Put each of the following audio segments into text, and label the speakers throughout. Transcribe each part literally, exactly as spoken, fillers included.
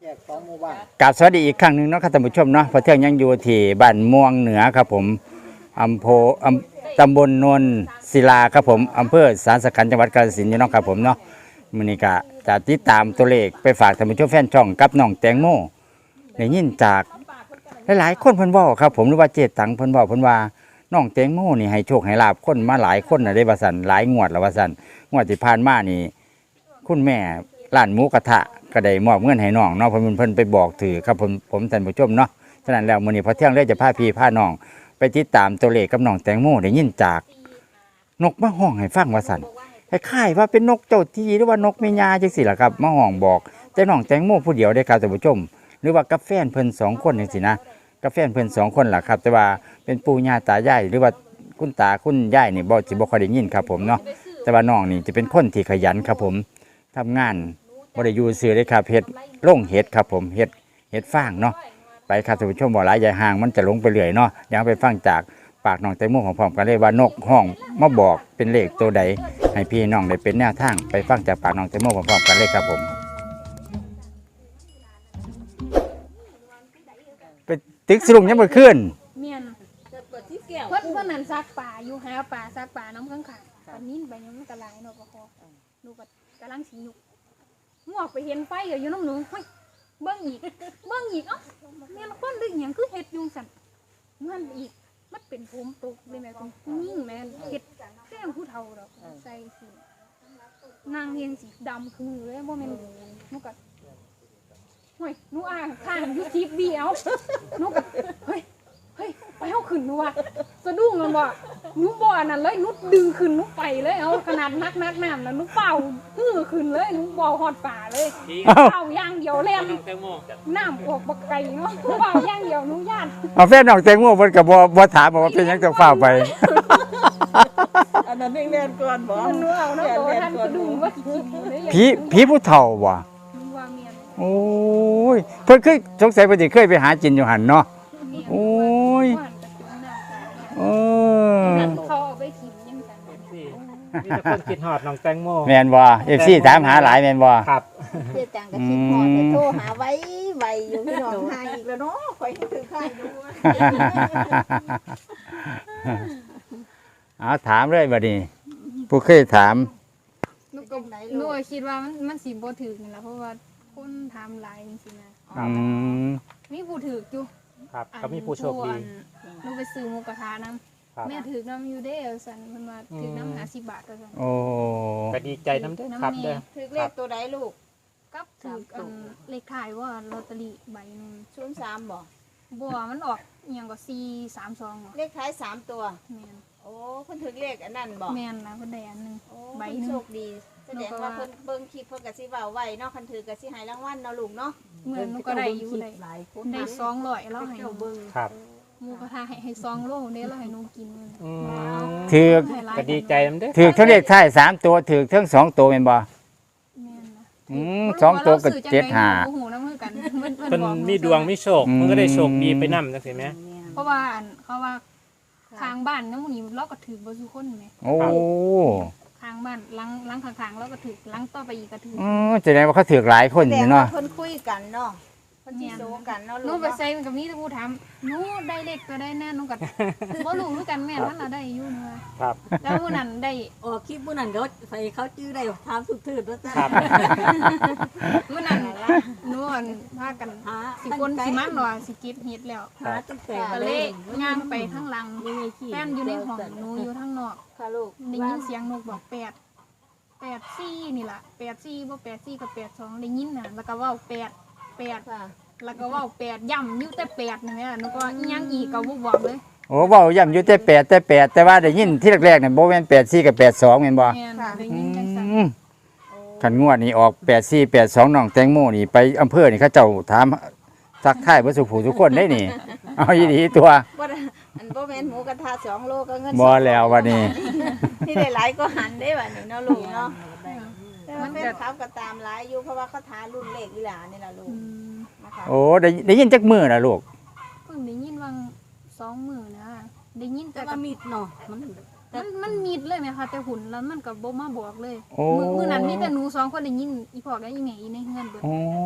Speaker 1: กราบสวัสดีอีกครั้งหนึ่งเนาะครับท่านผู้ชมเนาะพอเที่ยงยังอยู่ที่บ้านม่วงเหนือครับผมอำเภออำตำบลโนนศิลาครับผมอำเภอสารสขันจังหวัดกาฬสินธุ์เนาะครับผมเนาะมื้อนี้ก็จะติดตามตัวเลขไปฝากท่านผู้ชมแฟนช่องกับน้องแตงโมได้ยินจากหลายๆคนเพิ่นเว้าครับผมหรือว่าเจตังเพิ่นเว้าเพิ่นว่าน้องแตงโมนี่ให้โชคให้ลาภคนมาหลายคนน่ะได้ว่าซั่นหลายงวดแล้วว่าซั่นงวดที่ผ่านมานี่คุณแม่ร้านหมูกระทะก็ได้มอบเงินให้น้องเนาะเพิ่นเพิ่นไปบอกถือครับผมผมท่านผู้ชมเนาะฉะนั้นแล้วมื้อนี้พอเที่ยงเลยจะพาพี่พาน้องไปติดตามตัวเลขกับน้องแตงโมได้ยินจากนกมาห้องให้ฟังว่าซั่นคล้ายๆว่าเป็นนกเจ้าที่หรือว่านกแม่ยาจังซี่ล่ะครับมาห้องบอกแต่น้องแตงโมผู้เดียวได้ครับท่านผู้ชมหรือว่ากับแฟนเพิ่นสองคนจังซี่นะกับแฟนเพิ่นสองคนล่ะครับแต่ว่าเป็นปู่ย่าตายายหรือว่าคุณตาคุณยายนี่บ่สิบ่ค่อยได้ยินครับผมเนาะแต่ว่าน้องนี่จะเป็นคนที่ขยันครับผมทำงานบ่ได้อยู่ซื่อเลยครับเฮ็ดลงเฮ็ดครับผมเฮ็ดเฮ็ดฟางเนาะไปครับท่านผู้ชมบ่หลายใหญ่ห่างมันจะลงไปเรื่อยเนาะยังไปฟังจากปากน้องแตงโมของพร้อมกันเลยว่านกห้องมาบอกเป็นเลขตัวใดให้พี่น้องได้เป็นแนวทางไปฟังจากปากน้องแตงโมพร้อมกันเลยครับผมไปตึกสรุงยังบ่ขึ้น
Speaker 2: เมียนเพิ่นเพิ่นนั่นซักป่าอยู่หาป่าซักป่าน้ำข้างๆปานนี้ใบยังมันก็หลายเนาะบ่พอหนูก็กำลังสิยุกงอกไปเห็นไฟอยู่น้ำหนูเฮ้ยเบิ่งอีกเบิ่งอีกเอ้าแม่นคนดึกหยังคือเฮ็ดยุงสั่นมันอีกมันเป็นผมตกเลยแม่คุณยิ่งแม่นเฮ็ดแก้มผู้เฒ่าดอกใส่สินางเฮียงสีดำคือเลยบ่แม่นหนูก็เฮ้ยหนูอ่างข้างอยู่ทีวีเอาหนูก็เฮ้ยเฮ้ยไปเฮาขึ้นหนูว่าสะดุ้งมันบ่หนูบ่นั่นเลยหนูดึงขึ้นหนูไปเลยเอาขนาดนักนักน้ำแล้วหนูเป่าฮือขึ้นเลยหนูบ่ฮอดป่าเลยเป่าอย่างเดียวแล่นน้ำออกบักไก่เนาะเป่าอย่างเดียวหนูย่าน
Speaker 1: เอาแฟนน้องแตงโมเพิ่นก็บ่บ่ถามว่าเป็นหยังต้องฟ้าไป
Speaker 3: อันนั้นแน่นก่อนบ่
Speaker 2: หนูเอาเนาะโตท่านสะดุ้งว่าสิกินเลย
Speaker 1: ผีผีผู้เฒ่าบ่
Speaker 2: ว่าเมียน
Speaker 1: โอ้ยเพิ่นเคยสงสัยเพิ่นสิเคยไปหาจินอยู่หั่นเนาะโอ้ยเออ
Speaker 2: เขาเอาไปถิ่มยังกัน
Speaker 4: นี่แต่คนคิดฮอดน้องแตงโม
Speaker 1: แม่นบ่ เอฟ ซี ถามหาหลายแม่นบ่
Speaker 4: ครับ
Speaker 3: เจ๊จังก็คิดฮอดแต่โทรหาไว้ไว้อยู่พี่น้องหาอีกแล้วเนาะข่อยคือข้างดู
Speaker 1: เอาถามเลยบัดนี้ผู้เคยถาม
Speaker 2: หนูก็หนูคิดว่ามันมันสิบ่ถึกนี่ล่ะเพราะว่าคนถามหลายจริงๆนะ
Speaker 1: อืม
Speaker 2: มีผู้ถึกอยู่
Speaker 4: ครับก็มีผู้โชคดี
Speaker 2: หนูไปซื้อหมูกระทะนำแม่ถึกนำอยู่เด้อซั่นเพิ่นว่าถึกนำห้าสิบบาทว่าซั่น
Speaker 1: โอ้
Speaker 4: ก็ดีใจนำเด้อครับเด้อ
Speaker 3: ถึกเลขตัวใดลูก
Speaker 2: กับถึกอันเลขท้ายว่าลอตเตอรี่ใบนึง
Speaker 3: ศูนย์สามบ่
Speaker 2: บ่มันออกอีหยังก็สี่สามสอง
Speaker 3: เลขท้ายสามตัว
Speaker 2: แม่น
Speaker 3: โอ้เพิ่นถึกเลขอันนั้นบ่
Speaker 2: แม่นล่ะเพิ่นได้อันนึง
Speaker 3: ใบนึงโชคดีแสดงว่าเพิ่นเบิ่งคลิปเพิ่นก็สิเว้าไว้เนาะคันถือก็สิให้รางวัลเนาะลูกเนาะ
Speaker 2: เหมือนหนูก็ได้อยู่ได้หลายคนได้สองร้อยแล้วให้เบิ่ง
Speaker 4: ครับ
Speaker 2: หมูกระทะให้ให้สองโลเด้แล้วให้หนูกิน
Speaker 4: อืม
Speaker 1: ถือ
Speaker 4: ก็ดีใจนำเด้อ
Speaker 1: ถือทั้งเลขท้ายสามตัวถือทั้งสองตัวแม่นบ่
Speaker 2: แม่นนะ
Speaker 1: อืมสองตัวก็เจ็ดห้า
Speaker 2: โอ้โหนำคือกัน
Speaker 4: เพิ่นมีดวงมีโชคมันก็ได้โชคดีไปนำจังซี่แหม
Speaker 2: เพราะว่าอันเขาว่าทางบ้านนำนี้เราก็ถือบ่ซุคนแม่
Speaker 1: โอ้
Speaker 2: ทางบ้านหลังหลังข้างๆแล้วก็ถือหลังต่อไปอีกก็ถือ
Speaker 1: อ๋อแสดงว่าเขาถือหลายคนอยู่เนาะ
Speaker 3: เพิ่นคุยกันเนาะเพิ่นสิโซกันเนาะลูก
Speaker 2: หนูไปใส่มันก็มีแต่ผู้ถามหนูได้เลขก็ได้แน่หนูก็บ่รู้คือกันแม่นมันล่ะได้อยู่เนาะ
Speaker 4: ครับ
Speaker 2: แล้วผู้นั้นได้
Speaker 3: ออกคลิปผู้นั้นเขาใส่เขาจื้อได้ถามสุดๆว่าจ้ะ
Speaker 4: ครับ
Speaker 2: ผู้นั้นหนูอันพากันสิคนสิมันว่าสิกิดเฮ็ดแล้ว
Speaker 3: หาตั้งแต่
Speaker 2: ก็เลยย่างไปข้างหลังแฟนอยู่ในห้องหนูอยู่ข้างนอก
Speaker 3: ค่ะลูก
Speaker 2: ได้ยินเสียงนกบอกแปดแปดสี่นี่ล่ะแปดสี่บ่แปดสี่กับแปดสองได้ยินน่ะแล้วก็เว้าแปดแปดแล้วก็เว้าแปดย่ำอยู่แต่แปดนี่แม่หนูก็อีหยังอีกก็บ่บอกเลย
Speaker 1: โอ้เว้าย่ำอยู่แต่แปดแต่แปดแต่ว่าได้ยินที่แรกๆเนี่ยบ่แม่นแปดสี่กับแปดสองแม่นบ่
Speaker 2: แม่นได้ยินจังซั่น
Speaker 1: คันงวดนี้ออกแปดสี่ แปดสองน้องแตงโมนี่ไปอำเภอนี่เขาเจ้าถามทักทายเบ่สุผู้ทุกคนได้นี่เอาอีหลีตัว
Speaker 3: บ่อันบ่แม่นหมูกระทะสองโลก็เงิน
Speaker 1: บ่แล้ววันนี้
Speaker 3: ที่ได้หลายก็หันได้บัดนี้เนาะลูกเนาะมันเป็นเขาก็ตามหลายอยู่เพราะว่าเขาทารุ่นเลขอีหลานี่ล่ะลูก
Speaker 1: นะคะโอ้ได้ได้ยินจักมื้อน่ะลูก
Speaker 2: เพิ่งได้ยินว่าสองมื้อนะได้ยินแต่
Speaker 3: ก็มิดเนาะมัน
Speaker 2: มันมันมิดเลยแม่ค่ะแต่หุ่นแล้วมันก็บ่มาบอกเลยมื้อมื้อนั้นมีแต่หนูสองคนได้ยินอีพ่อกับอีแม่อีในเฮือนเบิด
Speaker 1: อ๋อ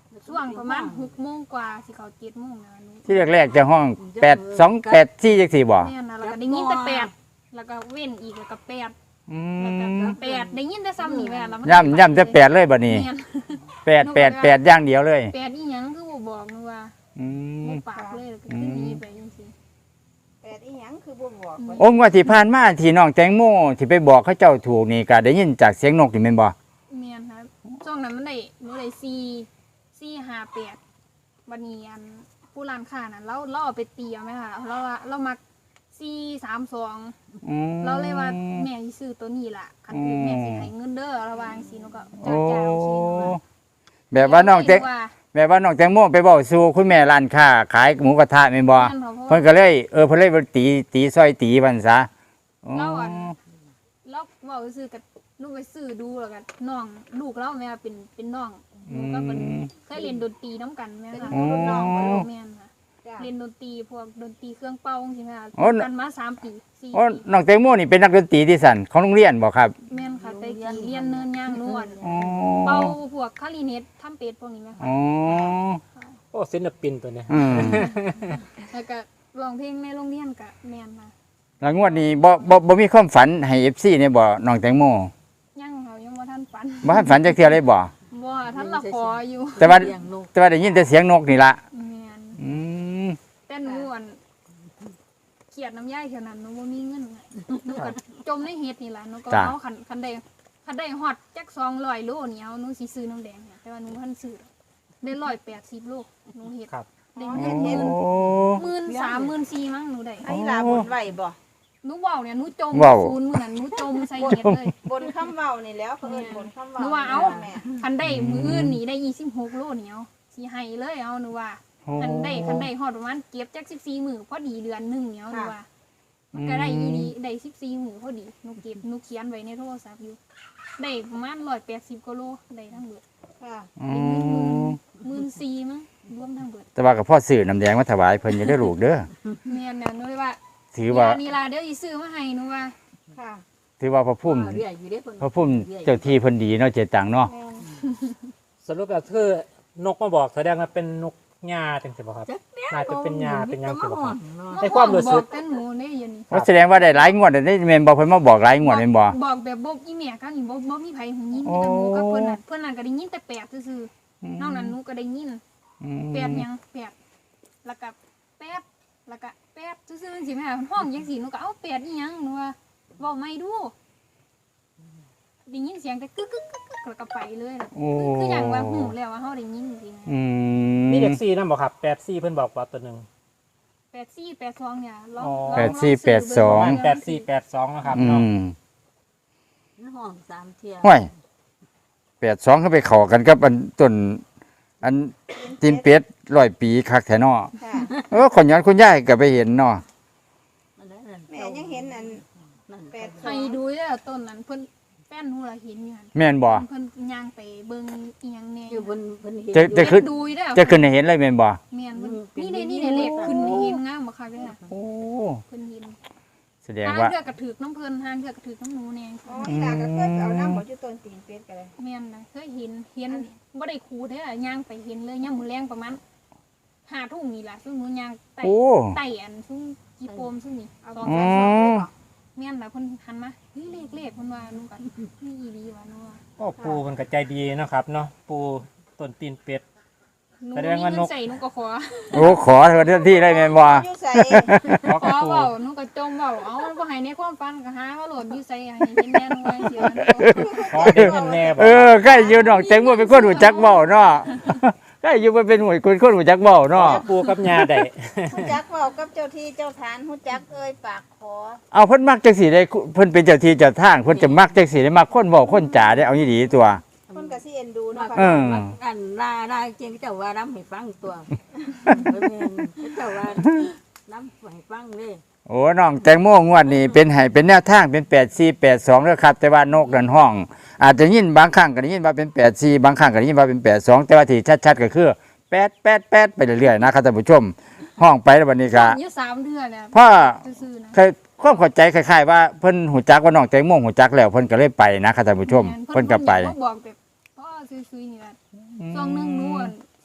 Speaker 2: ช่วงประมาณหกโมงกว่าสิเขาเจ็ดโมงนะหนู
Speaker 1: ที่แรกๆจะห้องแปดสองแปดสี่จังสี่บ่
Speaker 2: แม่นนะแล้วก็ได้ยินแต่แปดแล้วก็เว้นอีกแล้วก็แปด
Speaker 1: อื
Speaker 2: แล้วก็
Speaker 1: ม
Speaker 2: แปดได้ยินแต่ซ้ำนี่แม่แล้วมัน
Speaker 1: ย่ำย่ำจะแปดเลยบัดนี้
Speaker 2: แม่น
Speaker 1: แปดแปดแปดอย่างเดียวเลย
Speaker 2: แปดอีหยังคือบ่บอกหนูว่า
Speaker 1: อืม
Speaker 2: บ่ปากเลยแล้วก็ขึ้นหนี้ไปจังซี่
Speaker 3: แปดอีหยังคือบ่บอกว่า
Speaker 1: โอ้งว่าที่ผ่านมาที่น้องแตงโมที่ไปบอกเขาเจ้าถูกนี่ก็ได้ยินจากเสียงนกนี่แม่นบ่
Speaker 2: แม่นครับช่วงนั้นมันได้หนูได้สี่สี่ห้าแปดวันนี้อันผู้ร้านค้าน่ะเราเราเอาไปตีเอาไหมคะเราว่าเรามักสี่สามสอง
Speaker 1: อืม
Speaker 2: เราเลยว่าแม่สิซื้อตัวนี้ล่ะคันถือแม่สิให้เงินเด้อระวังสิหนูก็
Speaker 1: โอ้
Speaker 2: จ้าจ้าสิหนูว่า
Speaker 1: แบบว่าน้องแตง
Speaker 2: ว่า
Speaker 1: แบบว่าน้องแตงโมไปบอกสู่คุณแม่ร้านค้าขายหมูกระทะแม่นบ่
Speaker 2: แม่นเพราะ
Speaker 1: เพิ่นก็เลยเออเพิ่นเลยตีตีซอยตีมันซะอ๋อ
Speaker 2: เราอ่ะเราเว้าซื้อกับลูกไปซื้อดูแล้วก็น้องลูกเราแม่ว่าเป็นเป็นน้องหนูก็เป็นเคยเรียนดนตรีน้ำกันแม่ค่ะ
Speaker 3: รุ่นน้องบ่ลูก
Speaker 2: แม่นค่ะ
Speaker 3: จ้ะ
Speaker 2: เรียนดนตรีพวกดนตรีเครื่องเป่าใช่ไหมคะ
Speaker 1: โอ้
Speaker 2: กันมาสามปีสี่
Speaker 1: โอ้
Speaker 2: ปี
Speaker 1: น้องแตงโมนี่เป็นนักดนตรีที่สั่นของโรงเรียนบ่ครับ
Speaker 2: แม่นค่ะแต่กี้เรียนเนินย่างนวล
Speaker 1: อ๋อ
Speaker 2: เป่าพวกคาริเนตทำเป็ดพวกนี้ไหมคะ
Speaker 1: อ๋อ
Speaker 4: โอ้ศิลปินตัวเนี้ย
Speaker 1: อืม
Speaker 2: แล้วก็ร้องเพลงในโรงเรียนกับแม่นค่ะ
Speaker 1: แล้วงวดนี้บ่บ่บ่มีความฝันให้ เอฟ ซี เนี่ยบ่น้องแตงโม
Speaker 2: ยังเขายังว่าท่านฝัน
Speaker 1: บ่ทันฝันจักเทื่อเลยบ่
Speaker 2: บ่ท่านละขออยู่
Speaker 1: แต่ว่าแต่ว่าได้ยินแต่เสียงนกนี่ล่ะ
Speaker 2: แม่น
Speaker 1: อืม
Speaker 2: แต่หนูอันเขียดน้ำย่ายเท่านั้นหนูบ่มีเงินน่ะหนูก็จมในเฮ็ดนี่ล่ะหนูก็เอาคันคันได้คันได้ฮอดจักสองร้อยโลนี่เอาหนูสิซื้อน้ำแดงค่ะแต่ว่าหนูบ่ทันซื้อได้ร้อยแปดสิบโลหนูเฮ็ด
Speaker 4: ครับ
Speaker 2: ได้
Speaker 1: โอ้
Speaker 2: เงินหมื่นสามหมื่นสี่มั้งหนูได้
Speaker 3: ไอ้ลาบนไหวบ่
Speaker 2: หนูเว้าเนี่ยหนูจม
Speaker 1: เว้า
Speaker 2: ศูนย์มื้อนั้นหนูจมใส่เฮ็ดเลย
Speaker 3: บนคำเว้านี่แล้วเขาเอิ้นบนคำเว้า
Speaker 2: หนูว่าเอ้า
Speaker 3: แม่
Speaker 2: คันได้มืออื่นนี่ได้ยี่สิบหกโลเหนียวสิให้เลยเอาหนูว่าคันได้คันได้ฮอดประมาณเก็บจักสิบสี่มื้อพอดีเดือนหนึงเหนียวหนูว่ามันก็ได้อีดีได้สิบสี่มื้อพอดีหนูเก็บหนูเขียนไว้ในโทรศัพท์อยู่ได้ประมาณร้อยแปดสิบกว่าโลได้ทั้งเบิด
Speaker 3: ค่ะ
Speaker 1: อืม
Speaker 2: หมื่นสี่มั้งรวมทั้งเบิด
Speaker 1: แต่ว่าก็พ่อซื้อน้ำแดงมาถวายเพิ่นอยู่เด้อลูกเด้อ
Speaker 2: แม่นน่ะหนูเลยว่า
Speaker 1: ถือว่า
Speaker 2: นี่ล่ะเดี๋ยวสิซื้อมาให้หนูว่า
Speaker 3: ค่ะ
Speaker 1: ถือว่าพระพุ่ม
Speaker 5: เรียกอยู่เด้เพิ่น
Speaker 1: พระพุ่มเจ้าที่เพิ่นดีเนาะเจตังเนาะ
Speaker 3: แม่น
Speaker 4: สรุปแล้วคือนกมาบอกแสดงว่าเป็นนกหญ้าจังซี่บ่ครับ
Speaker 5: จักแน่
Speaker 4: น่าจะเป็นหญ้าเป็นหยังสิบ่ครับ
Speaker 5: เนาะ
Speaker 4: ในความรู้สึก
Speaker 2: บอกแต่หนูได้ยินนี่
Speaker 1: ว่าแสดงว่าได้หลายงวดได้แม่นบ่เพิ่นมาบอกหลายงวดแม่นบ่
Speaker 2: บอกแบบบ่อีแม่ก็นี่บ่บ่มีไผหูยิน
Speaker 1: โอ้
Speaker 2: แต่หนูกับเพิ่นน่ะเพิ่นน่ะก็ได้ยินแต่แปดซื่อๆนอกนั้นหนูก็ได้ยิน
Speaker 1: อืม
Speaker 2: แปดหยังแปดแล้วก็แปดแล้วก็แปดซื่อๆจังซี่แม่ห้องจังซี่หนูก็เอ้าแปดอีหยังหนูว่าเว้าไม่ดูได้ยินเสียงแต่กึกกึกกึกกึกแล้วก็ไปเลยล่ะ
Speaker 1: โอ้
Speaker 2: คือคือหยังว่าหูแล้วว่าเฮาได้ยินจริง
Speaker 1: อื
Speaker 4: มี
Speaker 1: ม
Speaker 4: เด็กสี่นำบ่ครับแปดสี่เพิ่นบอกว่าตัวหนึง
Speaker 2: ๆแปดสี่แปดสองเนี่ยลอง
Speaker 4: อ๋อ
Speaker 2: ลอง
Speaker 1: แปดสี่แปดสอง
Speaker 4: แปดสี่แปดสองนะครับ
Speaker 1: อื
Speaker 4: เนาะ
Speaker 1: ม
Speaker 5: ห้องสามเที่ย
Speaker 1: ห้วยแปดสองเขาไปเข้ากันกับอันต้นอันตีนเป็ดร้อยปีคักแท้เนาะ
Speaker 3: ค่ะ
Speaker 1: เออคนย้อนคุณยายก็ไปเห็นเนาะ
Speaker 5: อันนั้นน่ะ
Speaker 3: แม่ยังเห็นอัน
Speaker 5: นั่น
Speaker 3: แปดสอ
Speaker 2: ให้
Speaker 3: ง
Speaker 2: ดูเด้อต้นนั้นเพิ่นแป้นหูละเห็นอยู่หั่น
Speaker 1: แม่นบ่
Speaker 2: เพิ่นย่างไปเบิ่งอีหยังแหน่
Speaker 5: อยู่เพิ่นเพิ่นเห็น
Speaker 1: จะจะ ขึ้น
Speaker 2: ดูเด้อ
Speaker 1: จะขึ้นให้เห็นเลยแม่นบ่
Speaker 2: แม่นเพิ่นนี่เด้นี่เด้เลขขึ้นให้เห็นงามบ่คักเด้อ
Speaker 1: โอ้
Speaker 2: เพิ่นเห็น
Speaker 1: แสดง
Speaker 2: ทาง
Speaker 1: ว่า
Speaker 2: เทือกกระถือกน้ำเพลินทางเทือกกระถือกน้ำหนูแนง
Speaker 3: อ๋ออีหลาก็เคยไปเอาน้ำบ่อยู่ต้นตีนเป็ดกันเลย
Speaker 2: แม่นนะเคยเห็นเห็นบ่ได้คูเด้อย่างไปเห็นเลยย่ามมือแรงประมาณห้าทุ่มนี่ล่ะซึ่งหนูย่างไต่
Speaker 1: โอ้
Speaker 2: ไต่อันซึ่งกีโปมซึ่งนี่สอง
Speaker 1: อื
Speaker 2: สามสอง
Speaker 1: ม
Speaker 2: แม่นล่ะเพิ่นหันมาเฮ้ยเลขเลขเพิ่นว่าหนูก็นี่อีหลีว่าหนูว่า
Speaker 4: โอ้ปูเพิ่นก็ใจดีเนาะครับเนาะปูต้นตีนเป็ด
Speaker 2: หนู
Speaker 4: แสด
Speaker 2: มี
Speaker 4: งว่า
Speaker 2: เงิ
Speaker 4: น
Speaker 2: น
Speaker 4: ก
Speaker 2: ใส่หนูก็ขอ
Speaker 1: โอ้ขอเถอะเจ้าที่ได้แม่นบ่
Speaker 3: อยู่ใส่
Speaker 4: ขอ
Speaker 2: ข
Speaker 4: กับ
Speaker 2: อ
Speaker 4: ปู
Speaker 2: เว้าหนูก็จมเว้าเอ้ามันบ่ให้ในความฝันก็หาว่าโหลดอยู่ใส่ให้เห็นแน่หนูว่าเสียหนู
Speaker 4: ขอได้เงินแน่บ่
Speaker 1: เออใกล้อยู่น้องแตงโมเป็นคนหูจักเว้าเนาะใกล้อยู่มันเป็นหวยคนคนหูจักเว้าเนาะ
Speaker 4: ขอปูกับยาได้
Speaker 3: ฮู้จักเว้ากับเจ้าที่เจ้าทานฮู้จักเอ้ยปากขอ
Speaker 1: เอาเพิ่นมักจังสีได้เพิ่นเป็นเจ้าที่เจ้าทางเพิ่นจะมักจังสีได้มักคนบอกคนจ๋าได้เอาอีหลีตัว
Speaker 3: คนก็สิเอ็นดูเนาะ
Speaker 1: เอ
Speaker 3: ค่ะ
Speaker 1: อ
Speaker 5: อันลาลาเจงเจ้าว่าน้ำให้ฟังตัวเพิ่นแม่นเจ้าว่าน้ำให้ฟังเด้
Speaker 1: โอ้น้องแตงโมงวดนี้เป็นให้เป็นแนวทางเป็นแปดสี่ แปดสองเด้อครับ แต่ว่านกดันห้อง อาจจะยินบางครั้งก็ได้ยินว่าเป็นแปดสี่บางครั้งก็ได้ยินว่าเป็นแปดสองแต่ว่าที่ชัดๆก็คือแปด แปด แปดไปเรื่อยๆนะครับท่านผู้ชม ห้องไปแล้วบัดนี้ก็
Speaker 2: อยู่สามเดือนแล้ว
Speaker 1: พ่อ
Speaker 2: ซื่อๆนะ
Speaker 1: เคยความเข้าใจคล้ายๆว่าเพิ่นหูจักว่าน้องแตงโมหูจักแล้วเพิ่นก็เลยไปนะครับท่านผู้ชม เพิ่นก็ไป
Speaker 2: เพิ่นบอกแบบพ่อซื้อๆนี่แหละช่วงหนึงหนูอั่นสิ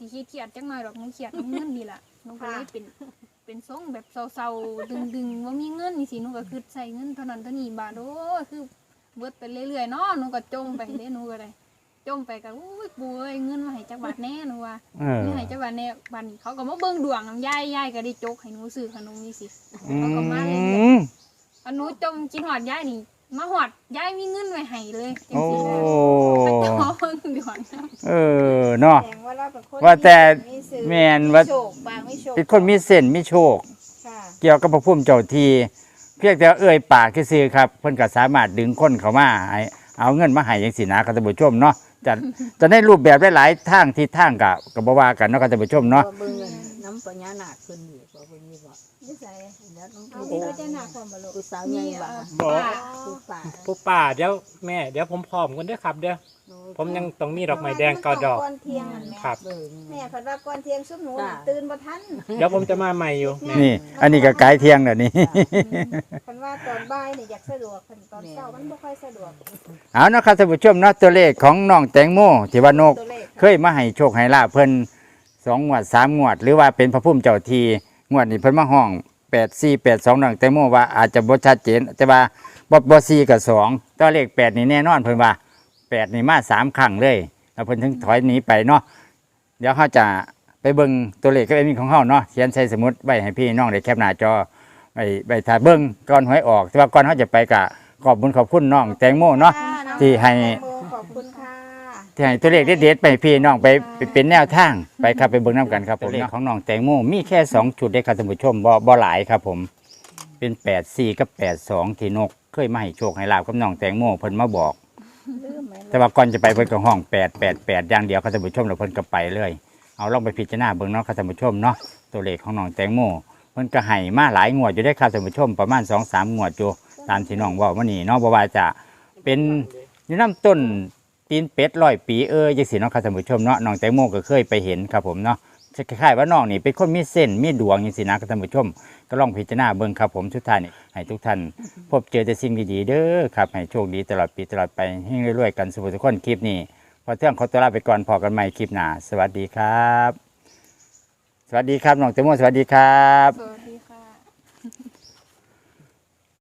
Speaker 2: สิเครียดจักหน่อยดอกหนูเครียดน้ำเงินนี่ล่ะหนูก็เลยเป็นเป็นทรงแบบเศร้าๆดึงๆว่ามีเงินนี่สิหนูก็คือใส่เงินเท่านั้นเท่านี้บาทโอ้คือเบิดไปเรื่อยๆเนาะหนูก็จมไปเด้หนูก็เลยจมไปก็อุ้ยปู่เอ้ยเงินมาให้จักบาทแน่หนูว่า
Speaker 1: เออ
Speaker 2: เงินให้จักบาทแน่บัดนี้เขาก็มาเบิ่งดวงนำยายยายก็ได้จกให้หนูซื้อขนมนี่สิ
Speaker 1: อื
Speaker 2: เขาก็มาเลย
Speaker 1: ม
Speaker 2: อันหนูจมกินหอดยายนี่มาหอดยายมีเงินไว้ให้เลยจัง
Speaker 1: โอ้
Speaker 2: ซี่นะไปเจ้าเบิ่งดวงนะ
Speaker 1: เออเนาะ
Speaker 3: แสดงว่าเราเป็นคน
Speaker 1: ว่าแต่
Speaker 3: มีสื่อ
Speaker 1: แม่นว่า
Speaker 3: โชคบางไม่โชค
Speaker 1: เป็นคนมีเส้นมีโชค
Speaker 3: ค่ะ
Speaker 1: เกี่ยวกับพระพุ่มเจ้าทีเพียงแต่เอ่ยปากซื่อๆครับเพิ่นก็สามารถดึงคนเข้ามาให้เอาเงินมาให้จังซี่นะครับท่านผู้ชมเนาะจะจะได้รูปแบบหลายๆทางที่ทางก็ก็บ่ว่ากันเนาะครับท่านผู้ชมเนาะ
Speaker 5: เบิ่งน้ำปัญญาหนักขึ้นอยู่บ่เบิ่งนี่บ่
Speaker 3: นิสัย
Speaker 5: แล้วน้อง
Speaker 3: เอา
Speaker 5: ผู้
Speaker 3: มีพญานาคความบ่ลูก
Speaker 5: ผู้สาวใหญ่บ่
Speaker 4: บอก
Speaker 5: ผู้ป่า
Speaker 4: ผู้ป่าเดี๋ยวแม่เดี๋ยวผมพร้อมกันเด้อครับเดี๋ยวผมยังต้องมีดอกไม้แดงเกาดอก
Speaker 3: ก่อนเที่ยงนั่นแม่
Speaker 4: ครับ
Speaker 5: เบิ่ง
Speaker 3: แม่เพิ่นว่าก่อนเที่ยงซุปหนูน่ะตื่นบ่ทัน
Speaker 4: เดี๋ยวผมจะมาใหม่อยู่แม่
Speaker 1: นี่ อันนี้ก็ไกลเที่ยงแล้วนี่
Speaker 3: เพิ่นว่าตอนบ่ายนี่อยากสะดวกเพิ่นตอนเช้ามันบ่ค่อยสะดวก
Speaker 1: เอาเนาะครับท่านผู้ชมเนาะตัวเลขของน้องแตงโมที่ว่านก
Speaker 3: ตัวเลข
Speaker 1: เคยมาให้โชคให้ลาภเพิ่นสองงวดสามงวด หรือว่าเป็นพระพุ่มเจ้าทีงวดนี้เพิ่นมาห้องแปดสี่แปดสองน้องแตงโมว่าอาจจะบ่ชัดเจนแต่ว่าบ่บ่สี่กับสองตัวเลขแปดนี่แน่นอนเพิ่นว่าแปดนี่มาสามครั้งเลยแล้วเพิ่นถึงถอยหนีไปเนาะเดี๋ยวเขาจะไปเบิ่งตัวเลขก็เป็นมีของเฮาเนาะเขียนใส่สมุดไว้ให้พี่น้องได้แคปหน้าจอไปไปถ่ายเบิ่งก่อนหวยออกแต่ว่าก่อนเขาจะไปก็ขอบคุณขอบคุณน้องแตงโมเนาะ ที่ให้
Speaker 3: ขอบคุณค่ะ
Speaker 1: ที่ให้ตัวเลขเด็ดๆไปให้พี่น้องไปไปเป็นแนวทางไปครับไปเบิ่งน้ำกันครับผมเลขของน้องแตงโมมีแค่สองจุดได้ครับท่านผู้ชมบ่บ่หลายครับผมเป็นแปดสี่กับแปดสองที่นกเคยมาให้โชคให้ลาบกับน้องแตงโมเพิ่นมาบอก
Speaker 3: ลืมไหม
Speaker 1: แต่ว่าก่อนจะไปเพิ่นก็ห้องแปดแปดแปดอย่างเดียวครับท่านผู้ชมแล้วเพิ่นก็ไปเลยเอาลองไปพิจารณาเบิ่งเนาะครับท่านผู้ชมเนาะตัวเลขของน้องแตงโมเพิ่นก็ให้มาหลายงวดอยู่ได้ครับท่านผู้ชมประมาณ สองสาม งวดอยู่ตามที่น้องเว้ามานี่เนาะบ่ว่าจะเป็นอยู่น้ำต้นตีนเป็ดร้อยปีเอ้ยจังซี่เนาะครับท่านผู้ชมเนาะน้องแตงโมก็เคยไปเห็นครับผมเนาะคล้ายๆว่าน้องนี่เป็นคนมีเส้นมีดวงจังซี่นะครับท่านผู้ชมก็ลองพิจารณาเบิ่งครับผมสุดท้ายนี่ให้ทุกท่าน พบเจอแต่สิ่งดีๆเด้อครับให้โชคดีตลอดปีตลอดไปให้รวยๆกันสุขทุกคนคลิปนี้พอเที่ยงขอตัวลาไปก่อนพอกันใหม่คลิปหน้าสวัสดีครับ สวัสดีครับน้องเตโมสวัสดีครับ
Speaker 2: สวัสดี